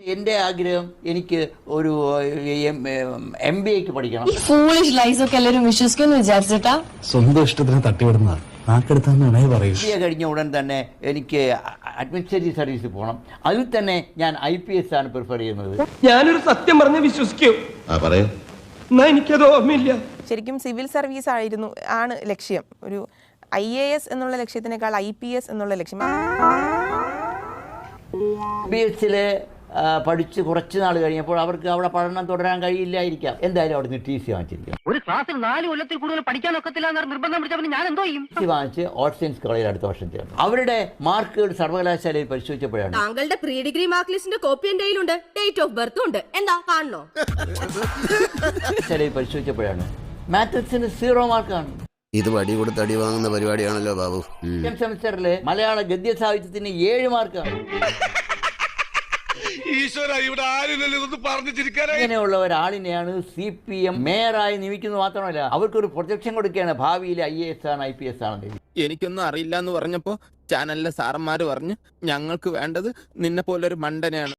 എന്റെ ആഗ്രഹം എനിക്ക് ഒരു MBA പഠിക്കണം. ഫൂളിഷ് ലൈസ് ഒക്കെ എല്ലാവരും വിശ്വസിക്കുമെന്ന് വിചാരിച്ചിട്ടാ സ്വന്തം ഇഷ്ടത്തിന് തട്ടിവിടുന്നതാണ്. നാക്കെടുത്താന്ന് പറയൂ. MBA കഴിഞ്ഞ ഉടൻ തന്നെ എനിക്ക് അഡ്മിനിസ്ട്രേറ്റീവ് സർവീസിൽ പോകണം. അതിൽ തന്നെ ഞാൻ IPS ആണ് പ്രിഫർ ചെയ്യുന്നത്. ഞാനൊരു സത്യം പറഞ്ഞ് വിശ്വസിക്കൂ. എന്നാ എനിക്കത് ഓർമ്മയില്ല. ശരിക്കും സിവിൽ സർവീസ് ആണ് ലക്ഷ്യം. ഒരു IAS എന്നുള്ള ലക്ഷ്യത്തിനേക്കാൾ IPS എന്നുള്ള ലക്ഷ്യം. IPS പഠിച്ച് കുറച്ച് നാൾ കഴിഞ്ഞപ്പോൾ അവർക്ക് അവിടെ പഠനം തുടരാൻ കഴിയില്ലായിരിക്കാം. എന്തായാലും അവിടെ നിന്ന് TC വാങ്ങിച്ചിരിക്കും. ഒരു ക്ലാസ്സിൽ 4 കൊല്ലത്തിൽ കൂടുതൽ പഠിക്കാൻ ഒക്കത്തില്ല നിർബന്ധം പിടിച്ചപ്പോൾ ഞാൻ എന്തോ ചെയ്യും? TC വാങ്ങിച്ച് ആർട്സ് സയൻസ് കോളേജിൽ അടുത്ത വർഷം ചേർന്നു. അവരുടെ മാർക്കുകൾ സർവകലാശാലയിൽ പരിശോധിച്ചപ്പോഴാണ് താങ്കളുടെ പ്രീ ഡിഗ്രി മാർക്ക് ലിസ്റ്റിന്റെ കോപ്പി എന്റെ കയ്യിലുണ്ട്, ഡേറ്റ് ഓഫ് ബർത്തും ഉണ്ട്. എന്താ കാണണോ? പരിശോധിച്ചപ്പോഴാണ് മാത്തസിന് 0 മാർക്കാണ്. ഇത് വടി കൊടുത്ത് അടി വാങ്ങുന്ന പരിപാടിയാണല്ലോ ബാബു. സെമിസ്റ്ററിലെ മലയാള ഗദ്യ സാഹിത്യത്തിന് 7 മാർക്കാണ്. ഇങ്ങനെയുള്ള ഒരാളിനെയാണ് CPM മേയറായി നിയമിക്കുന്നത്. മാത്രമല്ല അവർക്കൊരു പ്രൊജക്ഷൻ കൊടുക്കുകയാണ്, ഭാവിയിൽ IAS ആണ് IPS ആണെന്ന്. എനിക്കൊന്നും അറിയില്ല എന്ന് പറഞ്ഞപ്പോ ചാനലിലെ സാറന്മാര് പറഞ്ഞു, ഞങ്ങൾക്ക് വേണ്ടത് നിന്നെ പോലൊരു മണ്ടനെയാണ്.